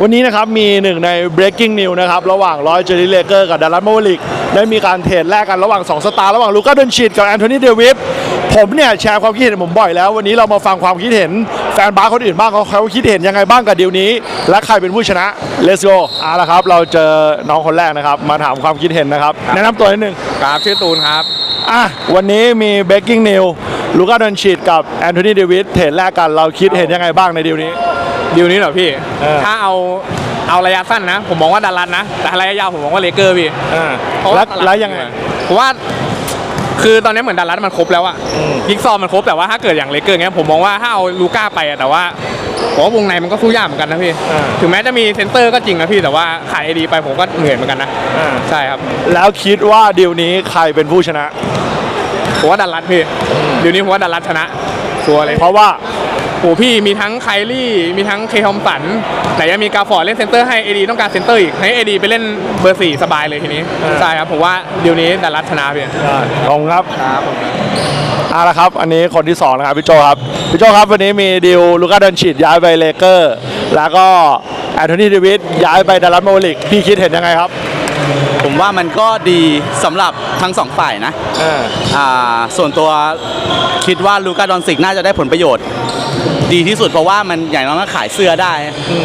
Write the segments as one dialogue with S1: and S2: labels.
S1: วันนี้นะครับมีหนึ่งใน breaking news นะครับระหว่างลอยเจอร์รี่เลเกอร์กับดัลลัส แมเวอริกได้มีการเทรดแลกกันระหว่าง2สตาร์ระหว่างลูก้า ดอนชิตกับแอนโทนี เดวิสผมเนี่ยแชร์ความคิดเห็นผมบ่อยแล้ววันนี้เรามาฟังความคิดเห็นแฟนบาสคนอื่นบ้างเขาคิดเห็นยังไงบ้างกับดีลนี้และใครเป็นผู้ชนะ Let's go ละครับเราเจอน้องคนแรกนะครับมาถามความคิดเห็นนะครับแนะนำตัวนิดนึง
S2: ครับชื่อตูนครับ
S1: วันนี้มี breaking news ลูก้า ดอนชิตกับแอนโทนี เดวิสเทรดแลกกันเราคิดเห็นยังไงบ้างในดีลนี้
S2: เหรอพี่ถ้าเอาระยะสั้นนะผมมองว่าดัลลัสนะแต่ระยะยาวผมมองว่าเลเกอร์พี่
S1: แล้วยังไง
S2: ผมว่าคือตอนนี้เหมือนดัลลัสมันครบแล้วอะยิกซอมันครบแต่ว่าถ้าเกิดอย่างเลเกอร์เงี้ยผมมองว่าถ้าเอาลูก้าไปแต่ว่าผมว่าวงในมันก็สู้ยากเหมือนกันนะพี่ถึงแม้จะมีเซนเตอร์ก็จริงนะพี่แต่ว่าขายดีไปผมก็เหนื่อยเหมือนกันนะใช่ครับ
S1: แล้วคิดว่าดีลนี้ใครเป็นผู้ชนะ
S2: ผมว่าดัลลัสพี่ดีลนี้ผมว่าดัลลัสชนะชัวร์เลย
S1: เพราะว่า
S2: โอ้พี่มีทั้งไคลี่มีทั้งเคทอมสันไหนยังมีกาฟอร์ดเล่นเซนเตอร์ให้เอดีต้องการเซนเตอร์อีกให้เอดีไปเล่นเบอร์4สบายเลยทีนี้ใช่ครับผมว่าเดี๋ยวนี้ดัลลัสชนะพี่
S1: ขอบคุณครับละครับอันนี้คนที่2นะครับพี่โจครับวันนี้มีดีลลูก้า ดอนชิตย้ายไปเลเกอร์แล้วก็แอนโทนี เดวิสย้ายไปดัลลัส แมเวอริกพี่คิดเห็นยังไงครับ
S3: ผมว่ามันก็ดีสำหรับทั้ง2ฝ่ายนะส่วนตัวคิดว่าลูก้า ดอนชิตน่าจะได้ผลประโยชน์ดีที่สุดเพราะว่ามันอย่างน้อยก็ขายเสื้อได้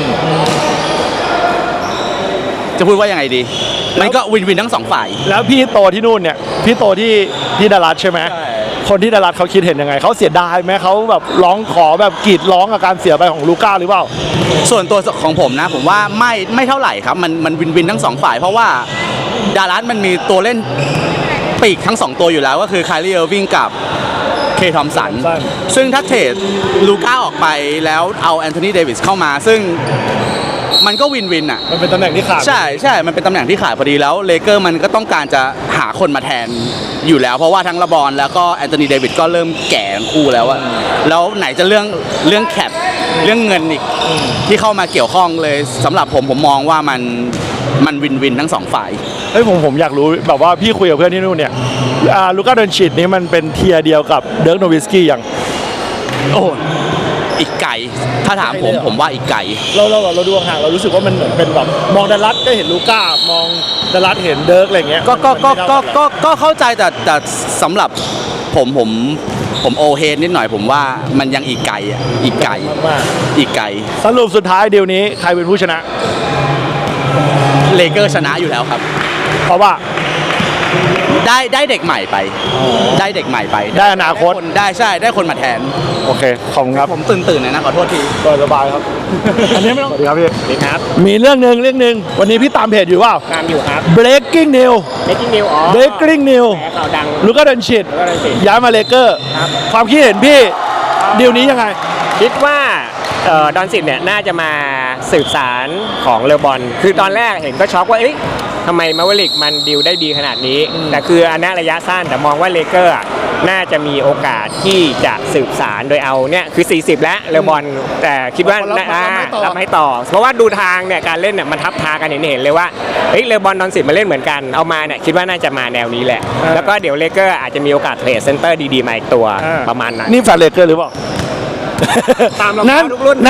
S3: จะพูดว่ายังไงดีมันก็วินทั้ง2ฝ่าย
S1: แล้วพี่โตที่นู่นเนี่ยพี่โตที่ดัลลัสใช่ไหมคนที่ดัลลัสเขาคิดเห็นยังไงเขาเสียดายไหมเขาแบบร้องขอแบบกรีดร้องกับการเสียไปของลูก้าหรือเปล่า
S3: ส่วนตัวของผมนะผมว่าไม่เท่าไหร่ครับมันวินทั้ง2ฝ่ายเพราะว่าดัลลัสมันมีตัวเล่นปีกทั้ง2ตัวอยู่แล้วก็คือไคลี่ เออร์วิงกับเคทอมสันซึ่งถ้าเทรดลูก้าออกไปแล้วเอาแอนโทนี เดวิสเข้ามาซึ่งมันก็วินอ่ะ
S1: มันเป็นตำแหน่งที่ขาด
S3: ใช่มันเป็นตำแหน่งที่ขาดพอดีแล้วเลเกอร์มันก็ต้องการจะหาคนมาแทนอยู่แล้วเพราะว่าทั้งเลบรอนแล้วก็แอนโทนี เดวิสก็เริ่มแก่คู่แล้วอะแล้วไหนจะเรื่องแคปเรื่องเงินอีกที่เข้ามาเกี่ยวข้องเลยสำหรับผมมองว่ามันวินทั้ง2ฝ่าย
S1: ผมอยากรู้แบบว่าพี่คุยกับเพื่อนที่นู่นเนี่ยลูก้า ดอนชิตนี่มันเป็นเทียร์เดียวกับเดิร์ก โนวิสกี้อย่าง
S3: โอ้อีกไกลถ้าถามผมว่าอีกไกล
S1: เราดูห่างเรารู้สึกว่ามันเหมือนเป็นแบบมองดัลลัสก็เห็นลูก้ามองดัลลัสเห็นเดิร์กอะไรเงี้ย
S3: ก็เข้าใจแต่สำหรับผมโอเฮดนิดหน่อยผมว่ามันยังอีกไกล
S1: สรุปสุดท้ายเดียวนี้ใครเป็นผู้ชนะ
S3: เลเกอร์ชนะอยู่แล้วครับ
S1: เพราะว่า
S3: ได้เด็กใหม่ไป
S1: ได้อนาคต
S3: ได้คนมาแทน
S1: โอเคขอบคุณครับ
S3: ผมตื่นนะขอโทษที
S1: สบายครับอันนี้ไม่ต้องสวัสดีครับพี่
S2: สวัสดีครับ
S1: มีเรื่องหนึ่งวันนี้พี่ตามเพจอยู่เปล่า
S2: ตามอยู่ครับ
S1: breaking news
S2: ข่าวดัง
S1: ลูก้า ดอนชิตย้ายมาเลเกอร์ความคิดเห็นพี่ดีลนี้ยังไง
S2: คิดว่าดอนชิตเนี่ยน่าจะมาสืบสารของเลบอนคือตอนแรกเห็นก็ช็อกว่าทำไมแมเวอริกมันดีลได้ดีขนาดนี้แต่คืออันนี้ระยะสั้นแต่มองว่าเลเกอร์น่าจะมีโอกาสที่จะสืบสารโดยเอาเนี่ยคือ40แล้วเลบอนแต่คิดว่ารับให้ต่อเพราะว่าดูทางเนี่ยการเล่นเนี่ยมันทับทางกันเห็นเลยว่าเลบอนดอนชิตมาเล่นเหมือนกันเอามาเนี่ยคิดว่าน่าจะมาแนวนี้แหละแล้วก็เดี๋ยวเลเกอร์อาจจะมีโอกาสเทรดเซนเตอร์ดีๆมาอีกตัวประมาณนั้น
S1: นี่แฟนเลเกอร์หรือเปล่า
S2: ตามนั้น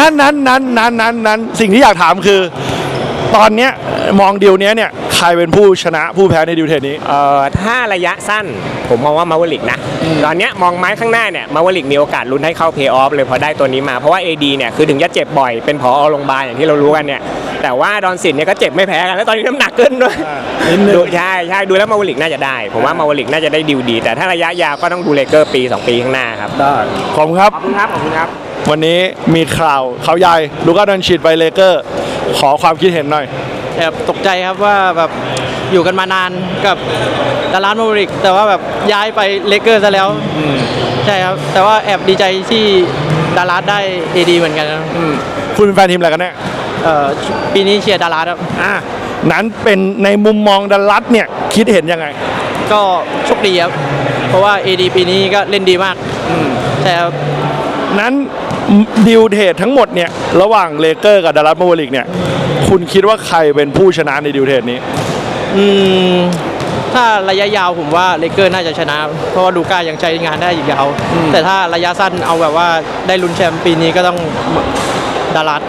S1: สิ่งที่อยากถามคือตอนเนี้ยมองดีลนี้เนี่ยใครเป็นผู้ชนะผู้แพ้ในดีลเทรดนี้
S2: ถ้าระยะสั้นผมมองว่ามาเวลิกนะตอนเนี้ยมองไม้ข้างหน้าเนี่ยมาเวลิกมีโอกาสลุ้นให้เข้าเพย์ออฟเลยพอได้ตัวนี้มาเพราะว่า AD เนี่ยคือถึงจะเจ็บบ่อยเป็นผอโรงพยาบาลอย่างที่เรารู้กันเนี่ยแต่ว่าดอนชิตเนี่ยก็เจ็บไม่แพ้กันแล้วตอนนี้น้ำหนักขึ้นด้วยใช่ดูแล้วมาเวลิกน่าจะได้ผมว่ามาเวลิกน่าจะได้ดีลดีแต่ถ้าระยะยาวก็ต้องดูเลเกอร์ปี2 ปีข้างหน้าครับ
S1: ได้ขอบคุณครับวันนี้มีข่าวเขาใหญ่ลูก้า ดอนชิตไปเลเกอร์ขอความคิดเห็นหน่อย
S3: แอบตกใจครับว่าแบบอยู่กันมานานกับดัลลัส แมเวอริกแต่ว่าแบบย้ายไปเลเกอร์ซะแล้วใช่ครับแต่ว่าแอบดีใจที่ดัลลัสได้ดีเหมือนกันนะ
S1: คุณเป็นแฟนทีมอะไรกันแน่
S3: ปีนี้เชียร์ดัลลัสครับ
S1: นั้นเป็นในมุมมองดัลลัสเนี่ยคิดเห็นยังไง
S3: ก็โชคดีครับเพราะว่า AD ปีนี้ก็เล่นดีมากใช่ครับ
S1: นั้นดีลเทรดทั้งหมดเนี่ยระหว่างเลเกอร์กับดัลลัส แมเวอริกเนี่ยคุณคิดว่าใครเป็นผู้ชนะในดีลเทรดนี้
S3: ถ้าระยะยาวผมว่าเลเกอร์น่าจะชนะเพราะว่าลูก้ายังใช้งานได้อีกยาวแต่ถ้าระยะสั้นเอาแบบว่าได้ลุ้นแชมป์ปีนี้ก็ต้องดัลลัส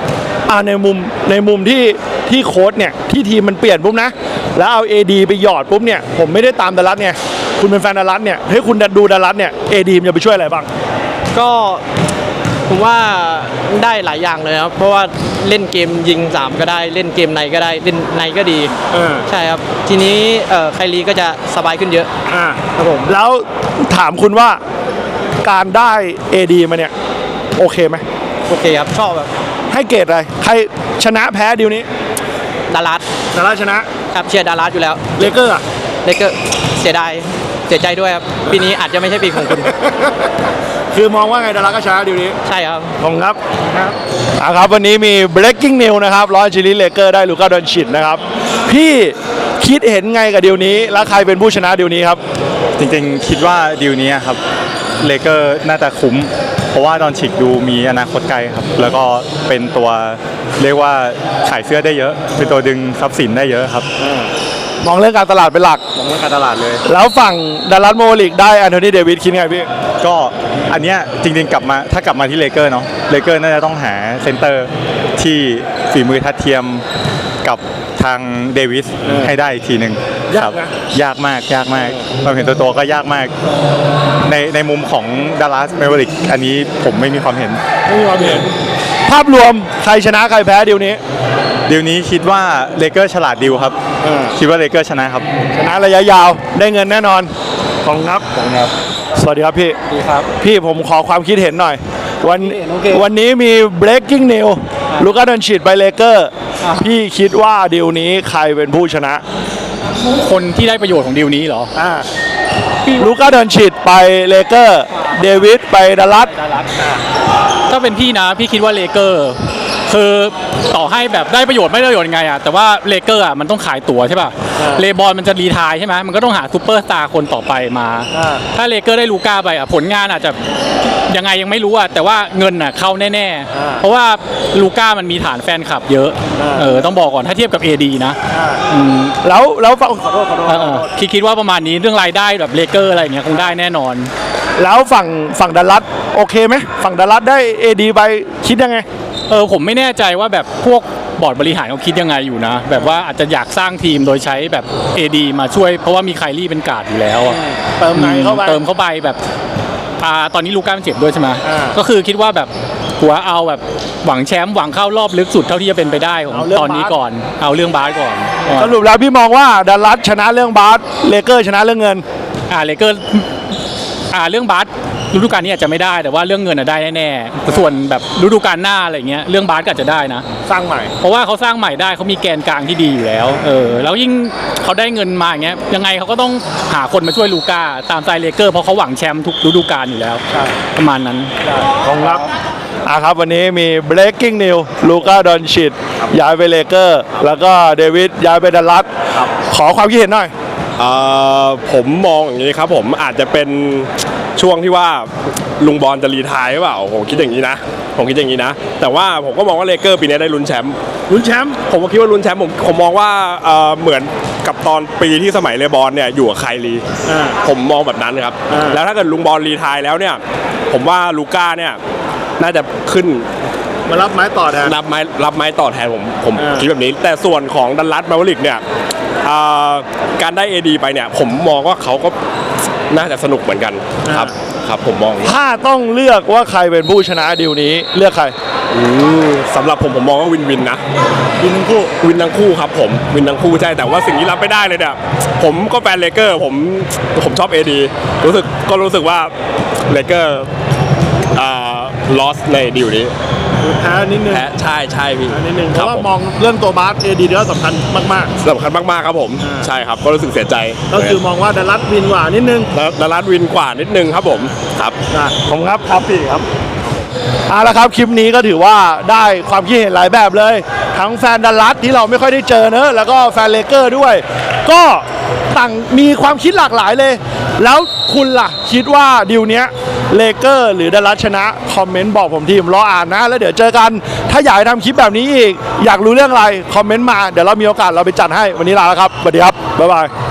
S1: ในมุมที่โค้ชเนี่ยที่ทีมมันเปลี่ยนปุ๊บนะแล้วเอา AD ไปหยอดปุ๊บเนี่ยผมไม่ได้ตามดัลลัสเนี่ยคุณเป็นแฟนดัลลัสเนี่ยให้คุณดูดัลลัสเนี่ย AD มันจะไปช่วยอะไรบ้าง
S4: ก็ผมว่าได้หลายอย่างเลยครับเพราะว่าเล่นเกมยิง3ก็ได้เล่นเกมในก็ได้เล่นในก็ดีใช่ครับทีนี้ไคลีก็จะสบายขึ้นเยอะครับผม
S1: แล้วถามคุณว่าการได้ AD มาเนี่ยโอเคไหม
S4: โอเคครับชอบแบบ
S1: ให้เกรดอะไรใครชนะแพ้ดีลนี้
S4: ดารัส
S1: ดัลลัสชนะครับ
S4: เชียร์ดารัสอยู่แล้ว
S1: เลเกอร์อะ
S4: เลเกอร์เสียดายเสียใจด้วยครับปีนี้อาจจะไม่ใช่ปีของคุณ
S1: คือมองว่าไงดัลลัสก็ชนะดีลนี้
S4: ใช่ครับ
S1: ขอบคุณครับครับวันนี้มี breaking news นะครับลอสแอนเจลิสเลเกอร์ได้ลูก้าดอนชิตนะครับพี่คิดเห็นไงกับดีลนี้แล้วใครเป็นผู้ชนะดีลนี้ครับ
S5: จริงๆคิดว่าดีลนี้ครับเลเกอร์น่าจะคุ้มเพราะว่าดอนชิกดูมีอนาคตไกลครับแล้วก็เป็นตัวเรียกว่าขายเสื้อได้เยอะเป็นตัวดึงทรัพย์สินได้เยอะครับ
S1: มองเรื่องการตลาดเป็นหลัก
S5: มองเรื่องการตลาดเลย
S1: แล้วฝั่งดัลลัสโมลิกได้แอนโทนีเดวิดคิดไงพี่
S5: ก็อันเนี้ยจริงๆกลับมาถ้ากลับมาที่เลเกอร์เนาะเลเกอร์น่าจะต้องหาเซนเตอร์ที่ฝีมือทัดเทียมกับทางเดวิสให้ได้อีกทีหนึ่ง
S1: ยากนะ
S5: ยากมากความเห็นตัวก็ยากมากในมุมของดัลลัสเมเวอริกอันนี้ผมไม่มีความเห็น
S1: ไม่มีความเห็นภาพรวมใครชนะใครแพ้ดีลนี้
S5: ดีลนี้คิดว่าเลเกอร์ฉลาดดีลครับคิดว่าเลเกอร์ชนะครับ
S1: ชนะระยะยาวได้เงินแน่นอนขอบคุณครับสวัสดีครับพี่
S4: ดีครับ
S1: พี่ผมขอความคิดเห็นหน่อย
S4: โอเค
S1: วันนี้มี breaking news ลูก้าดอนชิตไปเลเกอร์พี่คิดว่าดีลนี้ใครเป็นผู้ชนะ
S6: คนที่ได้ประโยชน์ของดีลนี้เหรอ
S1: ลูก้าดอนชิตไปเลเกอร์เดวิดไปดัลลัส
S6: ถ้าเป็นพี่นะ พี่คิดว่าเลเกอร์ คือต่อให้แบบได้ประโยชน์ไม่ได้ประโยชน์ยังไงอะแต่ว่าเลเกอร์อะมันต้องขายตั๋วใช่ป่ะเลบอนมันจะรีไทร์ใช่ไหมมันก็ต้องหาซูเปอร์สตาร์คนต่อไปมา ถ้าเลเกอร์ได้ลูก้าไปอะผลงานอาจจะยังไงยังไม่รู้อะแต่ว่าเงินอะเข้าแน่ๆเพราะว่าลูก้ามันมีฐานแฟนคลับเยอะต้องบอกก่อนถ้าเทียบกับ AD นะ
S1: แล้วฝั่งขอโทษ
S6: คิดว่าประมาณนี้เรื่องรายได้แบบเลเกอร์อะไรอย่างเงี้ยคงได้แน่นอน
S1: แล้วฝั่งดัลลัสโอเคไหมฝั่งดัลลัสได้ AD ไปคิดยังไง
S6: ผมไม่แน่ใจว่าแบบพวกบอร์ดบริหารเขาคิดยังไงอยู่นะ แบบว่าอาจจะอยากสร้างทีมโดยใช้แบบ AD มาช่วยเพราะว่ามีไคลี่เป็นการ์ดอยู่แล้วอะ
S1: เติมไหนเข้าไป
S6: เติมเข้าไปแบบตอนนี้ลูก้ามันเจ็บด้วยใช่ไหมก็คือคิดว่าแบบหัวเอาแบบหวังแชมป์หวังเข้ารอบลึกสุดเท่าที่จะเป็นไปได้ของตอนนี้ก่อนเอาเรื่องบาสก่อน
S1: สรุปแล้วพี่มองว่าดัลลัสชนะเรื่องบาสเลเกอร์ชนะเรื่องเงิน
S6: เลเกอร์เรื่องบาสฤดูกาลนี้อาจจะไม่ได้แต่ว่าเรื่องเงินได้แน่ๆส่วนแบบฤดูกาลหน้าอะไรเงี้ยเรื่องบาสก็อาจจะได้นะ
S1: สร้างใหม่
S6: เพราะว่าเขาสร้างใหม่ได้เขามีแกนกลางที่ดีอยู่แล้วแล้วยิ่งเขาได้เงินมาอย่างเงี้ยยังไงเขาก็ต้องหาคนมาช่วยลูก้าตามสไตล์เลเกอร์เพราะเขาหวังแชมป์ทุกฤดูกาลอยู่แล้วประมาณนั้น
S1: ครับครับวันนี้มี breaking news ลูก้าดอนชิตย้ายไปเลเกอร์แล้วก็เดวิดย้ายไปดัลลัสขอความคิดเห็นหน่อย
S7: ผมมองอย่างนี้ครับผมอาจจะเป็นช่วงที่ว่าลุงบอลจะรีไทร์หรือเปล่าผมคิดอย่างนี้นะแต่ว่าผมก็มองว่าเลเกอร์ปีนี้ได้ลุ้นแชมป์ผมก็คิดว่าลุ้นแชมป์ผมมองว่าเหมือนกับตอนปีที่สมัยเลบอนเนี่ยอยู่กับไคลีผมมองแบบนั้นครับแล้วถ้าเกิดลุงบอลรีไทร์แล้วเนี่ยผมว่าลูก้าเนี่ยน่าจะขึ้น
S1: มารับไม้ต่อแทน
S7: รับไม้ต่อแทนผมคิดแบบนี้แต่ส่วนของดัลลัสแมเวอริกเนี่ยการได้ AD ไปเนี่ยผมมองว่าเขาก็น่าจะสนุกเหมือนกันครับผมมอง
S1: ถ้าต้องเลือกว่าใครเป็นผู้ชนะดีลนี้เลือกใคร
S7: สำหรับผมมองว่าวินนะวินทั้งคู่ครับผมวินทั้งคู่ใช่แต่ว่าสิ่งที่รับไม่ได้เลยเนี่ยผมก็แฟนเลเกอร์ผมชอบ AD รู้สึกว่าเลเกอร์ลอสในดีลนี้
S1: แพ้นิดนึง
S7: ใช่พี่
S1: นิดนึงเพราะว่ามองเรื่องตัวบาส AD เดียวสำคัญมาก
S7: สำคัญมากๆครับผมใช่ครับก็รู้สึกเสียใจ
S1: ๆก็คือมองว่าดัลลัสวินกว่านิดนึง
S7: ดัลลัสวินกว่านิดนึงครับผมครับ
S1: ผมครับพี่ครับเอาละครับคลิปนี้ก็ถือว่าได้ความคิดเห็นหลายแบบเลยทั้งแฟนดัลลัสที่เราไม่ค่อยได้เจอเนอะแล้วก็แฟนเลเกอร์ด้วย ก็ต่างมีความคิดหลากหลายเลย แล้วคุณล่ะคิดว่าดีลเนี้ยเลเกอร์หรือดัลลัสชนะคอมเมนต์บอกผมทีผมรออ่านนะแล้วเดี๋ยวเจอกันถ้าอยากให้ทำคลิปแบบนี้อีกอยากรู้เรื่องอะไรคอมเมนต์มาเดี๋ยวเรามีโอกาสเราไปจัดให้วันนี้ลาแล้วครับสวัสดีครับบ๊ายบาย